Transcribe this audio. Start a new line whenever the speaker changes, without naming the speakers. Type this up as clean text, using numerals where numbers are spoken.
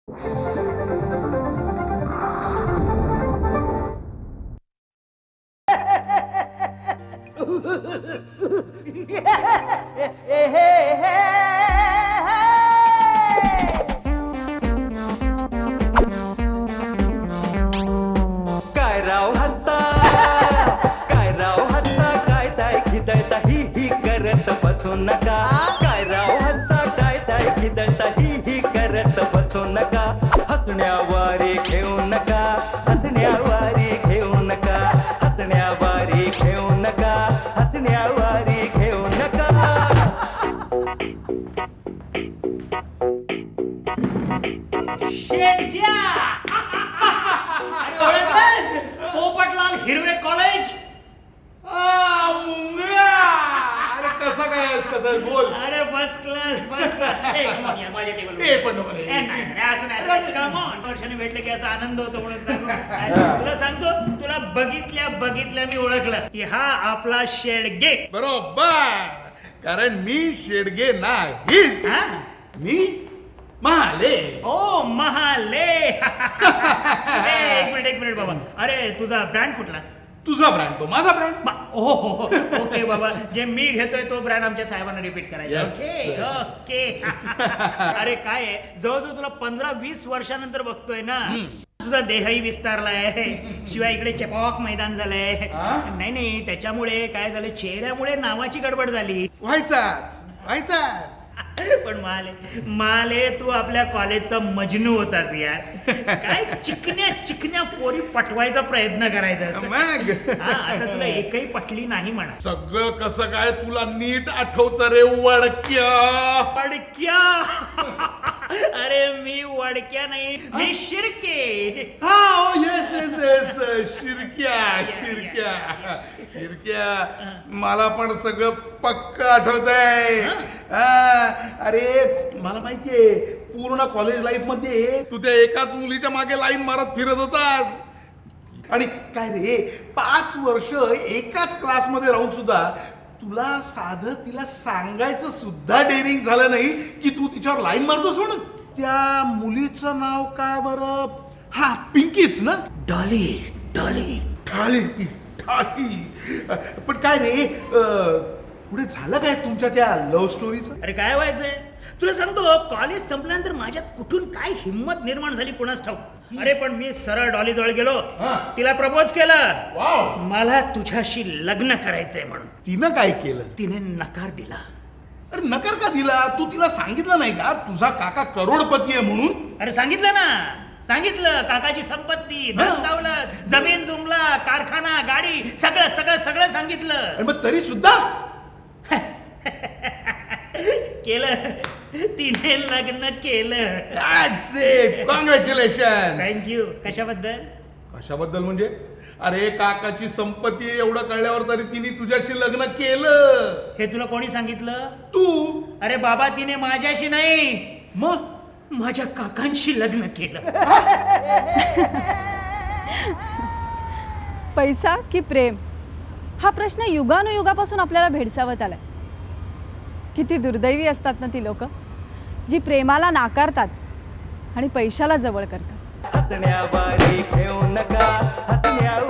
काय राव हत्ता, काय राव हत्ता, काय ताय खिदळता ही करत बसू नका. काय राव हत्ता, काय ताय खिदळता ही करत बसू नका. हसण्यावारे घेऊ नका, हसण्यावारे घेऊ नका, हसण्यावारे घेऊ नका, हसण्यावारे घेऊ नका.
शेटक्या! अरे ओळखलंस? पोपटलाल हिरवे कॉलेज.
मुंगळा, अरे कसा काय आहेस, कसा आहेस? बोल.
अरे फर्स्ट क्लास, फर्स्ट क्लास. ए कम ऑन यार, माझ्या टेबल.
ए पण नको रे.
नाही असं नाही. Come on. वर्षाने भेटले की असा आनंद होतो म्हणून सांगू. तुला सांगतो, तुला बघितल्या मी ओळखलं की हा आपला शेडगे.
बरोबर, कारण मी शेडगे नाही,
हा?
मी महाले.
ओ महाले. एक मिनिट बाबा. अरे तुझा ब्रँड कुठला?
तुझा ब्रँड तो माझा ब्रँड.
हो ओके बाबा, जे मी घेतोय तो ब्रँड आमच्या साहेबांना रिपीट करायचा.
Yes,
okay
sir.
ओके. अरे काय आहे, जवळजवळ तुला 15-20 वर्षानंतर बघतोय ना. तुझा देहही विस्तारलाय, शिवाय इकडे चेपॉक मैदान झालंय.
हा?
नाही त्याच्यामुळे काय झालं, चेहऱ्यामुळे नावाची गडबड झाली.
व्हायचाच.
पण माले तू आपल्या कॉलेजचा मजनू होतास यार. काय चिकन्या पोरी पटवायचा प्रयत्न करायचा असं.
मग
हा, आता तुला एकही पटली नाही म्हणा.
सगळं कसं काय तुला नीट आठवत रे वडक्या.
वडक्या. अरे मी वडक्या नाही, मी शिर्के.
हा येस येस येस शिरक्या. मला पण सगळं पक्क आठवत आहे. अरे मला माहितीये, पूर्ण कॉलेज लाईफ मध्ये तू त्या एकाच मुलीच्या मागे लाईन मारत फिरत होतास. आणि काय रे, 5 वर्ष एकाच क्लासमध्ये राहून सुद्धा तुला साधं तिला सांगायचं सुद्धा डेअरिंग झालं नाही की तू तिच्यावर लाईन मारतोस म्हणून. त्या मुलीचं नाव काय बरं? हा, पिंकीच ना.
डॉली.
ठाली. पण काय रे, पुढे झालं काय तुमच्या त्या लव्ह स्टोरीचं?
अरे काय व्हायचंय तुला सांगतो, कॉलेज संपल्यानंतर माझ्यात कुठून काय हिंमत निर्माण झाली कोणास ठाऊक. अरे पण मी सरळ डॉली जवळ गेलो, तिला प्रपोज केलं.
वाव.
मला तुझ्याशी लग्न करायचंय म्हणून.
तिनं काय केलं?
तिने नकार दिला.
अरे नकार का दिला? तू तिला सांगितलं नाही का तुझा काका करोडपती आहे म्हणून?
अरे सांगितलं काकाची संपत्ती, धन दौलत, जमीन जुमला, कारखाना, गाडी, सगळं सांगितलं.
आणि मग तरी सुद्धा
केलं. तिने लग्न केलं.
That's it. कॉंग्रॅच्युलेशन.
थँक्यू.
कशाबद्दल म्हणजे? अरे काकाची संपत्ती एवढं कळल्यावर तरी तिने तुझ्याशी लग्न केलं.
हे तुला कोणी सांगितलं?
तू.
अरे बाबा, तिने माझ्याशी नाही,
मग
माझ्या काकांशी लग्न केलं.
पैसा की प्रेम, हा प्रश्न युगानुयुगापासून आपल्याला भेडसावत आलाय. किती दुर्दैवी असतात ना ती लोक, जी प्रेमाला नाकारतात आणि पैशाला जवळ करतात.
हसण्यावारे घेऊ नका, हसण्यावारे